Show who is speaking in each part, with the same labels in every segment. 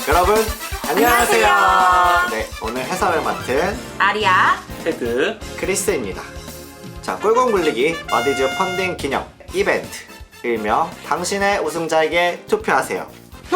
Speaker 1: 여러분 안녕하세요.
Speaker 2: 안녕하세요.
Speaker 1: 네, 오늘 해설을 맡은
Speaker 2: 아리아
Speaker 3: 테드
Speaker 1: 크리스입니다. 자, 꿀공 굴리기 마디즈 펀딩 기념 이벤트, 일명 당신의 우승자에게 투표하세요.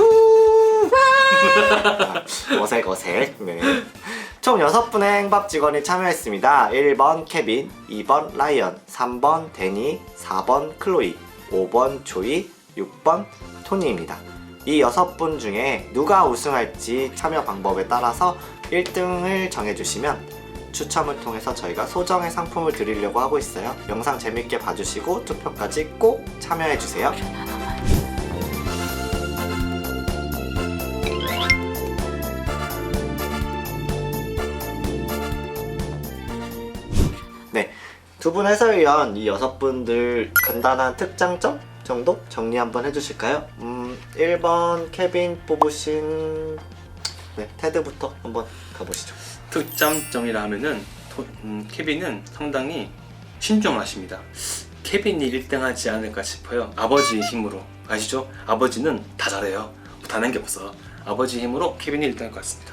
Speaker 1: 어색어색. 네. 총 6분의 행밥 직원이 참여했습니다. 1번 케빈, 2번 라이언, 3번 데니, 4번 클로이, 5번 조이, 6번 토니입니다. 이 6분 중에 누가 우승할지 참여 방법에 따라서 1등을 정해주시면 추첨을 통해서 저희가 소정의 상품을 드리려고 하고 있어요. 영상 재밌게 봐주시고 투표까지 꼭 참여해주세요. 네, 두 분 해설위원 이 6분들 간단한 특장점 정도 정리 한번 해주실까요? 1번 케빈 뽑으신 테드부터 한번 가보시죠.
Speaker 3: 특장점이라 하면은 케빈은 상당히 신중하십니다. 케빈이 1등 하지 않을까 싶어요. 아버지의 힘으로. 아시죠? 아버지는 다 잘해요. 못하는 게 없어. 아버지 힘으로 케빈이 1등 할 것 같습니다.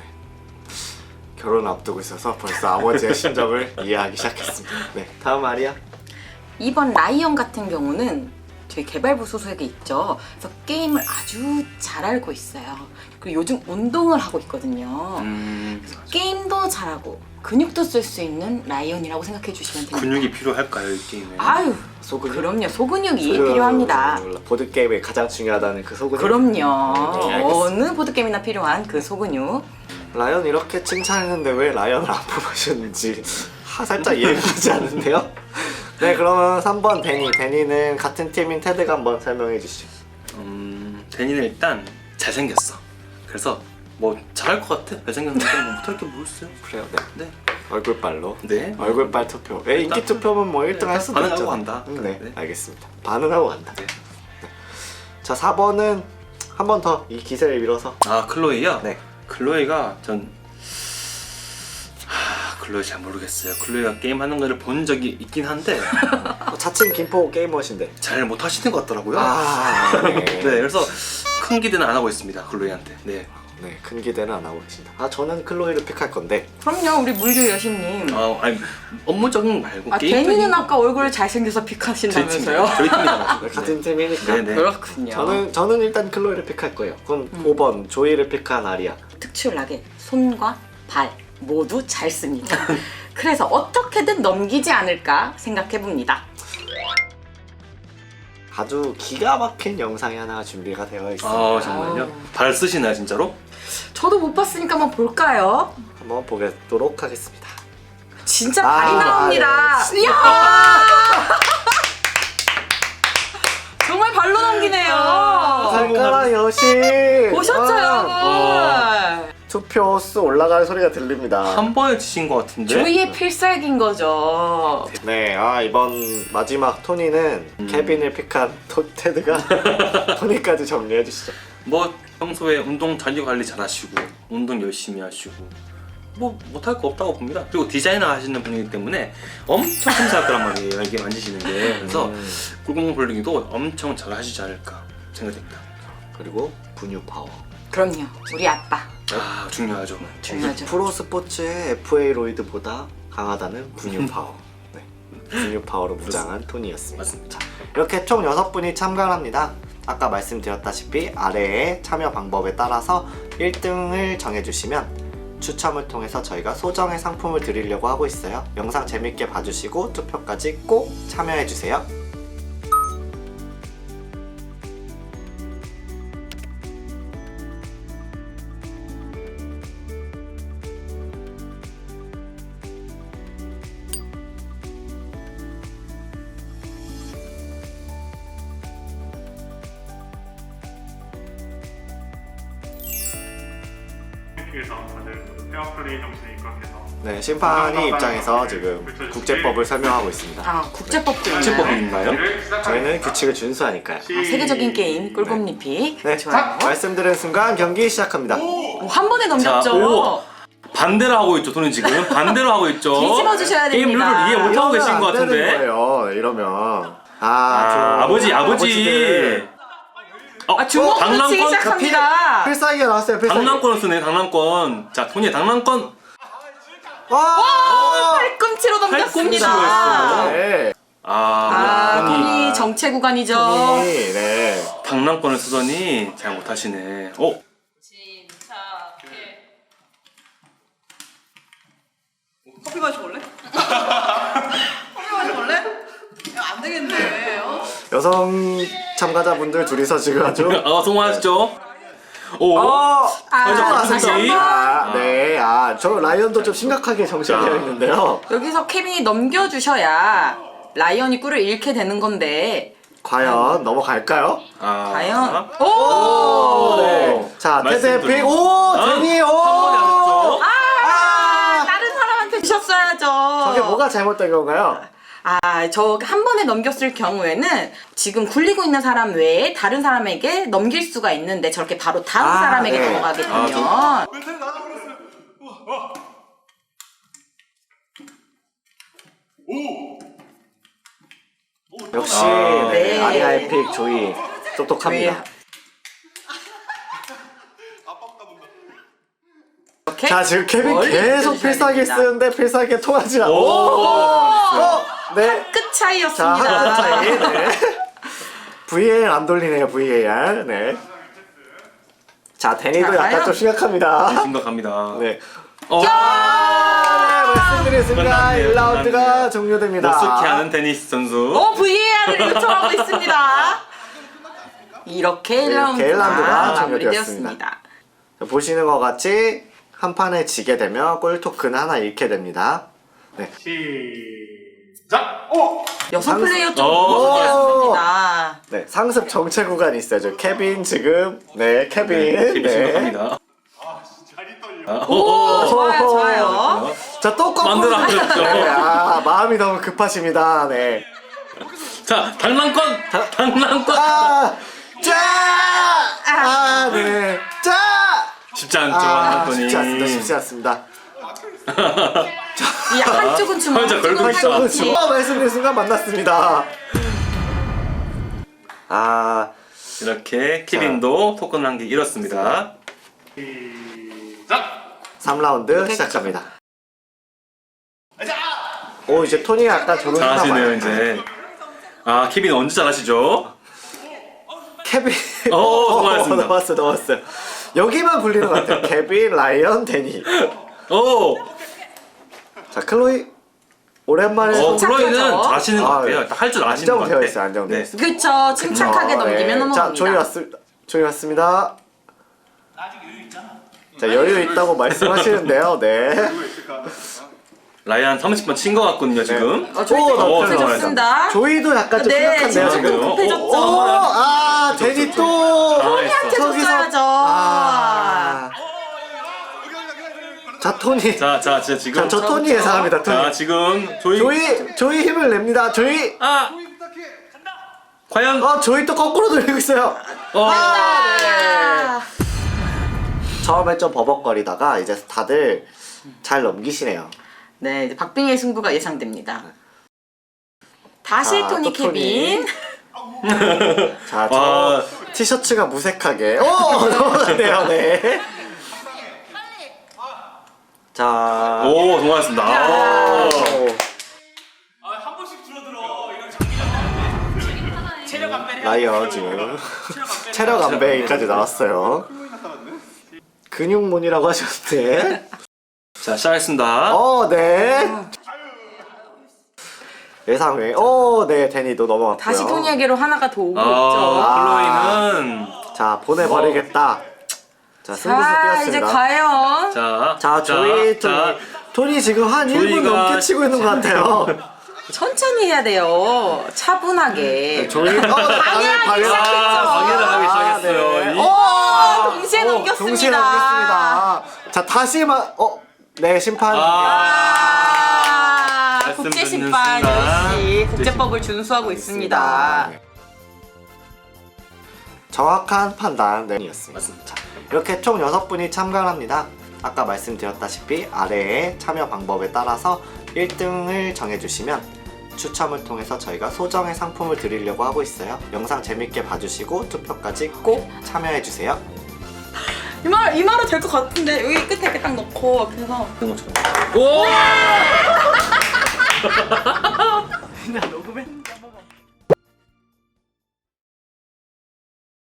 Speaker 1: 결혼을 앞두고 있어서 벌써 아버지의 심정을 이해하기 시작했습니다. 네, 다음 아리아.
Speaker 2: 2번 라이언 같은 경우는 저희 개발부 소속에 있죠. 그래서 게임을 아주 잘 알고 있어요. 그리고 요즘 운동을 하고 있거든요. 게임도 잘하고 근육도 쓸 수 있는 라이언이라고 생각해 주시면 됩니다.
Speaker 3: 근육이 필요할까요, 이 게임에?
Speaker 2: 아유,
Speaker 1: 소근육?
Speaker 2: 그럼요. 소근육이 필요합니다.
Speaker 1: 보드게임에 가장 중요하다는 그 소근육.
Speaker 2: 그럼요.
Speaker 1: 네, 알겠습니다.
Speaker 2: 어느 보드게임이나 필요한 그 소근육.
Speaker 1: 라이언 이렇게 칭찬했는데 왜 라이언을 안 뽑으셨는지 살짝 이해가 가지 않는데요? 네, 그러면 3번 데니. 데니는 같은 팀인 테드가 한번 설명해 주시죠.
Speaker 3: 데니는 일단 잘생겼어. 그래서 뭐 잘할 것 같아. 잘생겼는데 뭐 못할 게 뭐 있어요?
Speaker 1: 그래요, 네.
Speaker 3: 네.
Speaker 1: 얼굴빨로.
Speaker 3: 네.
Speaker 1: 얼굴빨 투표. 인기
Speaker 3: 일단
Speaker 1: 투표면 뭐 1등 할 수도
Speaker 3: 반응하고
Speaker 1: 있죠.
Speaker 3: 간다.
Speaker 1: 네,
Speaker 3: 네.
Speaker 1: 알겠습니다. 반응하고 간다.
Speaker 3: 네.
Speaker 1: 자, 4번은 한 번 더 이 기세를 밀어서.
Speaker 3: 아, 클로이요?
Speaker 1: 네.
Speaker 3: 클로이가 클로이 잘 모르겠어요. 클로이가 게임하는 거를 본 적이 있긴 한데
Speaker 1: 자칭 김포 게이머신데.
Speaker 3: 잘 못하시는 것 같더라고요.
Speaker 1: 네.
Speaker 3: 네, 그래서 큰 기대는 안 하고 있습니다. 클로이한테. 네.
Speaker 1: 네, 큰 기대는 안 하고 계신다. 저는 클로이를 픽할 건데.
Speaker 2: 그럼요, 우리 물류 여신님.
Speaker 3: 아니 업무적인 거 말고
Speaker 2: 데니는 아까 얼굴 잘생겨서 픽하신다면서요?
Speaker 3: 저희 팀이다.
Speaker 1: 같은 팀이니까.
Speaker 3: 네.
Speaker 2: 그렇군요.
Speaker 1: 저는 일단 클로이를 픽할 거예요. 그럼 5번 조이를 픽한 아리아.
Speaker 2: 특출나게 손과 발 모두 잘 씁니다. 그래서 어떻게든 넘기지 않을까 생각해봅니다.
Speaker 1: 아주 기가 막힌 영상이 하나 준비가 되어 있습니다.
Speaker 3: 정말요? 발 쓰시나요 진짜로?
Speaker 2: 저도 못 봤으니까 한번 볼까요?
Speaker 1: 한번 보도록 하겠습니다.
Speaker 2: 진짜 발이 나옵니다.
Speaker 1: 네.
Speaker 2: 이야! 정말 발로 넘기네요.
Speaker 1: 발가락 여신.
Speaker 2: 보셨죠, 여러분?
Speaker 1: 투표 수 올라가는 소리가 들립니다.
Speaker 3: 한 번에 치신 것 같은데?
Speaker 2: 조이의 필살기인 거죠.
Speaker 1: 네, 이번 마지막 토니는 케빈을 픽한 테드가 토니까지 정리해 주시죠.
Speaker 3: 뭐 평소에 운동 자기관리 잘 하시고 운동 열심히 하시고 뭐 못할 거 없다고 봅니다. 그리고 디자이너 하시는 분이기 때문에 엄청 참사할 거란 말이에요. 이게 만지시는 게. 그래서 꿀공 굴리기도 엄청 잘 하시지 않을까 생각됩니다.
Speaker 1: 그리고 분유 파워.
Speaker 2: 그럼요, 우리 아빠.
Speaker 3: 중요하죠.
Speaker 2: 중요하죠.
Speaker 1: 프로 스포츠의 FA 로이드보다 강하다는 분유 파워. 네, 분유 파워로 무장한 토니였습니다.
Speaker 3: 맞습니다.
Speaker 1: 자, 이렇게 총 6분이 참가를 합니다. 아까 말씀드렸다시피 아래의 참여 방법에 따라서 1등을 정해주시면 추첨을 통해서 저희가 소정의 상품을 드리려고 하고 있어요. 영상 재밌게 봐주시고 투표까지 꼭 참여해주세요.
Speaker 4: 에서 다들 페어플레이 정신에 입각해서
Speaker 1: 네, 심판이 입장에서 지금 국제법을 설명하고 있습니다.
Speaker 2: 국제법도
Speaker 3: 국제법이
Speaker 2: 있나요?
Speaker 3: 있나요?
Speaker 1: 저희는 규칙을 준수하니까요.
Speaker 2: 세계적인 게임 꿀꿈리픽.
Speaker 1: 네,
Speaker 2: 좋아요.
Speaker 1: 말씀드린 순간 경기 시작합니다.
Speaker 2: 한 번에 넘겼죠.
Speaker 3: 자, 오! 반대로 하고 있죠. 돈은 지금 반대로 하고 있죠.
Speaker 2: 뒤집어 주셔야
Speaker 3: 게임
Speaker 2: 됩니다.
Speaker 3: 룰을 이해 못하고 계신 것
Speaker 1: 안 되는
Speaker 3: 같은데.
Speaker 1: 거예요, 이러면.
Speaker 3: 아버지
Speaker 1: 아버지들.
Speaker 2: 주먹 붙이기
Speaker 3: 당랑권?
Speaker 2: 시작합니다.
Speaker 1: 필살기가 나왔어요. 필살기.
Speaker 3: 당랑권을 쓰네. 당랑권. 자, 토니의 당랑권.
Speaker 1: 와!
Speaker 2: 팔꿈치로 넘겼습니다.
Speaker 3: 팔꿈치로 했어.
Speaker 1: 네.
Speaker 2: 토니 정체 구간이죠.
Speaker 1: 토니, 네.
Speaker 3: 당랑권을 쓰더니 잘 못하시네.
Speaker 5: 커피 마셔볼래? 커피 마셔볼래? 야, 안 되겠네.
Speaker 1: 여성 참가자분들 둘이서 지금 아주
Speaker 3: 성공하셨죠? 오.
Speaker 2: 다시 한 번.
Speaker 1: 네. 저 라이언도 좀 심각하게 정체되어 있는데요.
Speaker 2: 여기서 케빈이 넘겨주셔야 라이언이 꿀을 잃게 되는 건데
Speaker 1: 과연 넘어갈까요?
Speaker 2: 과연
Speaker 1: 오! 네. 자, 테드 픽. 오! 데니! 오!
Speaker 3: 한 번에 하셨죠?
Speaker 2: 다른 사람한테 주셨어야죠.
Speaker 1: 저게 뭐가 잘못된 건가요?
Speaker 2: 저 한 번에 넘겼을 경우에는 지금 굴리고 있는 사람 외에 다른 사람에게 넘길 수가 있는데 저렇게 바로 다음 사람에게
Speaker 1: 네.
Speaker 2: 넘어가게 되면
Speaker 1: 역시
Speaker 3: 네.
Speaker 1: 네. 아리아의 픽 조이 똑똑합니다.
Speaker 2: 이렇게
Speaker 1: 자, 지금 케빈
Speaker 2: 멀리
Speaker 1: 계속
Speaker 2: 느껴주셔야
Speaker 1: 필살기
Speaker 2: 됩니다.
Speaker 1: 쓰는데 필살기에 통하지 않아. 네.
Speaker 2: 끝
Speaker 1: 자,
Speaker 2: 차이였습니다.
Speaker 1: 한 차이. 네. VAR 안 돌리네요, VAR. 네. 자, 데니도
Speaker 2: 자,
Speaker 1: 약간
Speaker 2: 과연?
Speaker 1: 좀 심각합니다.
Speaker 3: 심각합니다.
Speaker 1: 네.
Speaker 3: 어.
Speaker 1: 네, 말씀드렸습니다.
Speaker 3: 끝났네요.
Speaker 1: 1라운드가
Speaker 3: 끝났네요.
Speaker 1: 종료됩니다.
Speaker 3: 못속해하는 테니스 선수.
Speaker 2: VAR을 요청하고 있습니다. 이렇게 1라운드가
Speaker 1: 1라운드가
Speaker 2: 마무리되었습니다.
Speaker 1: 자, 보시는 것 같이 한 판을 지게 되면 골 토큰 하나 잃게 됩니다. 네.
Speaker 4: 시작! 오!
Speaker 2: 여성 플레이어 좀
Speaker 3: 오.
Speaker 2: 모습이었습니다.
Speaker 1: 네, 상습 정체 구간이 있어요. 저 케빈 지금 네, 케빈.
Speaker 3: 네. 심각합니다.
Speaker 4: 다리 떨려.
Speaker 2: 오, 좋아요.
Speaker 1: 자, 또 거꾸로.
Speaker 3: 만들어버렸죠.
Speaker 1: 네, 마음이 너무 급하십니다. 네.
Speaker 3: 자, 당랑권. 당랑권.
Speaker 1: 네. 자!
Speaker 3: 쉽지 않죠, 당랑권이.
Speaker 1: 쉽지 않습니다. 쉽지 않습니다.
Speaker 2: 이 한쪽은 주먹,
Speaker 3: 혼자 걸고
Speaker 2: 한쪽은
Speaker 3: 있어.
Speaker 2: 팔꿈치.
Speaker 1: 말씀드린 순간 만났습니다.
Speaker 3: 이렇게 케빈도 토큰 한 개 잃었습니다.
Speaker 4: 시작!
Speaker 1: 3라운드 시작합니다. 오, 이제 토니가 약간 저런
Speaker 3: 잘하시네요, 이제. 케빈 언제 잘하시죠?
Speaker 1: 케빈.
Speaker 3: 수고하셨습니다.
Speaker 1: 넘었어요. 여기만 굴리는 것 같아요. 케빈, 라이언, 데니.
Speaker 3: 오!
Speaker 1: 자, 클로이. 오랜만에
Speaker 3: 클로이는 잘하시는 것 같아요. 할 줄 아시는 것 같아요.
Speaker 1: 안정되어 있어요. 안정되어 있어요.
Speaker 2: 그쵸, 침착하게 넘기면 넘어갑니다.
Speaker 1: 자, 조이 왔습니다. 자, 여유 있다고 말씀하시는데요. 네.
Speaker 3: 라이언 30번 친 것 같거든요, 지금.
Speaker 2: 조이
Speaker 1: 오,
Speaker 2: 급해졌습니다.
Speaker 1: 조이도 약간 좀
Speaker 2: 네,
Speaker 1: 심각한데요,
Speaker 2: 지금
Speaker 1: 지금.
Speaker 2: 좀 급해졌죠.
Speaker 1: 데니 또.
Speaker 2: 토니한테 줬어야죠.
Speaker 1: 자, 토니.
Speaker 3: 자, 진짜 지금.
Speaker 1: 저 토니 예상합니다. 토니.
Speaker 3: 자, 지금
Speaker 1: 조이 힘을 냅니다. 조이.
Speaker 3: 과연.
Speaker 1: 조이 또 거꾸로 돌리고 있어요. 처음에 좀 버벅거리다가 이제 다들 잘 넘기시네요.
Speaker 2: 네, 이제 박빙의 승부가 예상됩니다. 다시
Speaker 1: 자,
Speaker 2: 토니
Speaker 1: 또 토니.
Speaker 2: 케빈.
Speaker 1: 자, 저 티셔츠가 무색하게. 넘어가네요. 네. 자.
Speaker 3: 오, 성공하셨습니다.
Speaker 5: 한 번씩 줄어들어. 이런 장기전. 체력 안배를 해야
Speaker 1: 라이언 지금 체력 안배까지 나왔어요. 근육몬이라고 하셨는데.
Speaker 3: 자, 시작하겠습니다.
Speaker 1: 네. 예상 외. 네, 데니도 넘어갔고요.
Speaker 2: 다시 토니에게로 하나가 더 오고 있죠.
Speaker 3: 클로이는.
Speaker 1: 자, 보내버리겠다. 자, 승부수
Speaker 2: 자, 이제
Speaker 1: 뛰었습니다.
Speaker 2: 과연.
Speaker 1: 자, 조이, 토니 지금 한 1분
Speaker 3: 조이가
Speaker 1: 넘게 치고 있는 것 같아요.
Speaker 2: 천천히 해야 돼요. 차분하게.
Speaker 1: 조이,
Speaker 2: 방해하기 시작했죠.
Speaker 3: 방해를 하기 시작했어요.
Speaker 1: 네.
Speaker 2: 동시에 넘겼습니다.
Speaker 1: 동시에 넘겼습니다. 자, 네, 심판.
Speaker 3: 말씀
Speaker 2: 국제
Speaker 3: 듣는
Speaker 2: 심판
Speaker 3: 순간.
Speaker 2: 역시 국제법을 준수하고 있습니다.
Speaker 1: 네. 정확한 판단이었습니다. 자, 이렇게 총 6분이 참가를 합니다. 아까 말씀드렸다시피 아래의 참여 방법에 따라서 1등을 정해주시면 추첨을 통해서 저희가 소정의 상품을 드리려고 하고 있어요. 영상 재밌게 봐주시고 투표까지 꼭 참여해주세요.
Speaker 2: 이 말은 될 것 같은데 여기 끝에 이렇게 딱 넣고 그래서
Speaker 3: 그런 것처럼. 오!
Speaker 2: 나 녹음했는데